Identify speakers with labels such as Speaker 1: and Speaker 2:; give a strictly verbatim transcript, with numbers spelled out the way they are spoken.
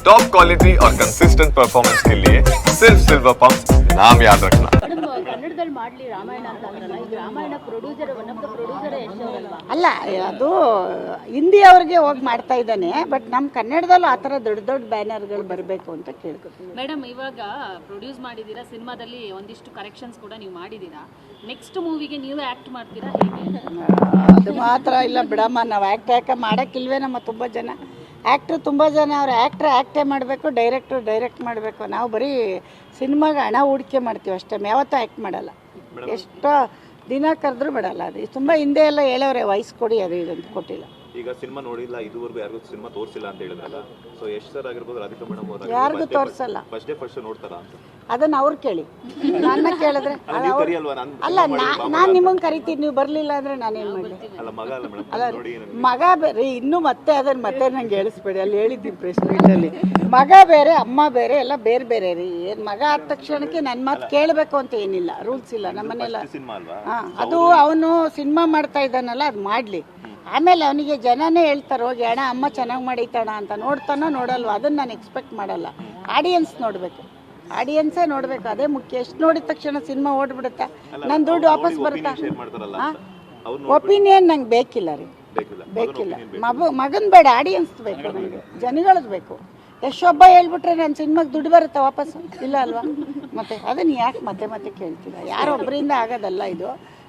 Speaker 1: Top quality और consistent performance के लिए सिर्फ सिल्वर पंप नाम याद रखना।
Speaker 2: ಕನ್ನಡದಲ್ಲಿ ಮಾಡ್ಲಿ ರಾಮಾಯಣ ಅಂತ ಅಂದ್ರಲ್ಲ, ಈಗ Ramayana producer one of the producer Yash ಅವರಲ್ವಾ?
Speaker 3: ಅಲ್ಲ, ಅದು ಹಿಂದಿ ಅವ್ರಿಗೆ ಹೋಗಿ ಮಾಡ್ತಾ ಇದ್ದಾನೆ. ಬಟ್ ನಮ್ಮ ಕನ್ನಡದಲ್ಲೂ ಆ ಥರ ದೊಡ್ಡ ದೊಡ್ಡ ಬ್ಯಾನರ್ಗಳು ಬರಬೇಕು ಅಂತ ಕೇಳ್ಕೊತೀನಿ.
Speaker 2: ಮೇಡಮ್, ಇವಾಗ ಪ್ರೊಡ್ಯೂಸ್ ಮಾಡಿದ್ದೀರಾ, ಸಿನಿಮಾದಲ್ಲಿ ಒಂದಿಷ್ಟು ಕರೆಕ್ಷನ್ಸ್ ಕೂಡ ನೀವು ಮಾಡಿದ್ದೀರಾ. ನೆಕ್ಸ್ಟ್ ಮೂವಿಗೆ ನೀವೇ ಆ್ಯಕ್ಟ್ ಮಾಡ್ತೀರಾ ಹೇಗೆ?
Speaker 3: ಅದು ಮಾತ್ರ ಇಲ್ಲ ಬಿಡಮ್ಮ, ನಾವು ಆ್ಯಕ್ಟ್ ಯಾಕೆ ಮಾಡೋಕ್ಕಿಲ್ವೇ? ನಮ್ಮ ತುಂಬ ಜನ ಆ್ಯಕ್ಟ್ರು ತುಂಬ ಜನ ಅವ್ರು ಆ್ಯಕ್ಟ್ರ್ ಆ್ಯಕ್ಟೇ ಮಾಡಬೇಕು, ಡೈರೆಕ್ಟ್ರು ಡೈರೆಕ್ಟ್ ಮಾಡಬೇಕು. ನಾವು ಬರೀ ಸಿನಿಮಾಗೆ ಹಣ ಹೂಡಿಕೆ ಮಾಡ್ತೀವಿ ಅಷ್ಟೇ, ಯಾವತ್ತೂ ಆ್ಯಕ್ಟ್ ಮಾಡಲ್ಲ. ಎಷ್ಟೋ ದಿನ ಕರೆದ್ರೂ ಬಿಡಲ್ಲ. ಅದು ತುಂಬ ಹಿಂದೆ ಎಲ್ಲ ಹೇಳೋರೆ ವಯಸ್ಸು ಕೊಡಿ ಅದು ಇದಂತ ಕೊಟ್ಟಿಲ್ಲ.
Speaker 4: ಈಗ ಸಿನಿಮಾ ನೋಡಿಲ್ಲ, ಇದುವರೆಗೂ ಯಾರಿಗೂ ಸಿನಿಮಾ ತೋರಿಸಿಲ್ಲ ಅಂತ ಹೇಳಿದ್ರಲ್ಲ, ಸೊ ಯಶ್ ಸರ್ ಆಗಿರ್ಬೋದು, ರಾಧಿಕಾ ಮೇಡಮ್ ಅವರು
Speaker 3: ಯಾರಿಗೂ ತೋರಿಸಲ್ಲ.
Speaker 4: ಫಸ್ಟ್ ಡೇ ಫಸ್ಟ್ ನೋಡ್ತಾರಾ ಅಂತ
Speaker 3: ಅದನ್ನ ಅವ್ರು ಕೇಳಿ, ನನ್ನ ಕೇಳಿದ್ರೆ ಅಲ್ಲ, ನಾನು ನಿಮ್ಮಂಗೆ ಕರಿತೀನಿ, ನೀವು ಬರಲಿಲ್ಲ ಅಂದರೆ ನಾನೇನು ಮಾಡಲಿ?
Speaker 4: ಅಲ್ಲ ಮಗ ಅಲ್ಲ ಮೇಡಮ್,
Speaker 3: ಅಲ್ಲ ಮಗ ಬೇರೆ, ಇನ್ನೂ ಮತ್ತೆ ಅದನ್ನು ಮತ್ತೆ ನಂಗೆ ಹೇಳಿಸ್ಬೇಡಿ. ಅಲ್ಲಿ ಹೇಳಿದ್ದೀನಿ ಪ್ರೆಸ್ ಮೀಟಲ್ಲಿ, ಮಗ ಬೇರೆ ಅಮ್ಮ ಬೇರೆ ಎಲ್ಲ ಬೇರೆ ಬೇರೆ ರೀ. ಏನು ಮಗ ಆದ ತಕ್ಷಣಕ್ಕೆ ನನ್ನ ಮಾತು ಕೇಳಬೇಕು ಅಂತ ಏನಿಲ್ಲ, ರೂಲ್ಸ್ ಇಲ್ಲ ನಮ್ಮನೆಲ್ಲ. ಹಾಂ, ಅದು ಅವನು ಸಿನಿಮಾ ಮಾಡ್ತಾ ಇದ್ದಾನಲ್ಲ, ಅದು ಮಾಡಲಿ. ಆಮೇಲೆ ಅವನಿಗೆ ಜನನೇ ಹೇಳ್ತಾರೆ ಹೋಗಿ ಅಣ್ಣ ಅಮ್ಮ ಚೆನ್ನಾಗಿ ಮಾಡೈತಣ ಅಂತ. ನೋಡ್ತಾನೋ ನೋಡಲ್ವ ಅದನ್ನು ನಾನು ಎಕ್ಸ್ಪೆಕ್ಟ್ ಮಾಡಲ್ಲ. ಆಡಿಯನ್ಸ್ ನೋಡಬೇಕು, ಆಡಿಯನ್ಸೇ ನೋಡಬೇಕು, ಅದೇ ಮುಖ್ಯ. ಎಷ್ಟು ನೋಡಿದ ತಕ್ಷಣ ಸಿನಿಮಾ ಓಡ್ಬಿಡುತ್ತಾ? ನನ್ನ ದುಡ್ಡು ವಾಪಸ್ ಬರುತ್ತಾ? ಹಾಂ, ಒಪಿನಿಯನ್ ನಂಗೆ ಬೇಕಿಲ್ಲ ರೀ, ಬೇಕಿಲ್ಲ. ಮಗು ಮಗನ ಬೇಡ, ಆಡಿಯನ್ಸ್ ಬೇಕು ನನಗೆ, ಜನಗಳದ್ದು ಬೇಕು. ಎಷ್ಟೊಬ್ಬ ಹೇಳ್ಬಿಟ್ರೆ ನನ್ನ ಸಿನಿಮಾಗೆ ದುಡ್ಡು ಬರುತ್ತಾ ವಾಪಸ್? ಇಲ್ಲ ಅಲ್ವಾ? ಮತ್ತೆ ಅದನ್ನು ಯಾಕೆ ಮತ್ತೆ ಮತ್ತೆ ಕೇಳ್ತೀರಾ? ಯಾರೊಬ್ಬರಿಂದ ಆಗೋದಲ್ಲ ಇದು.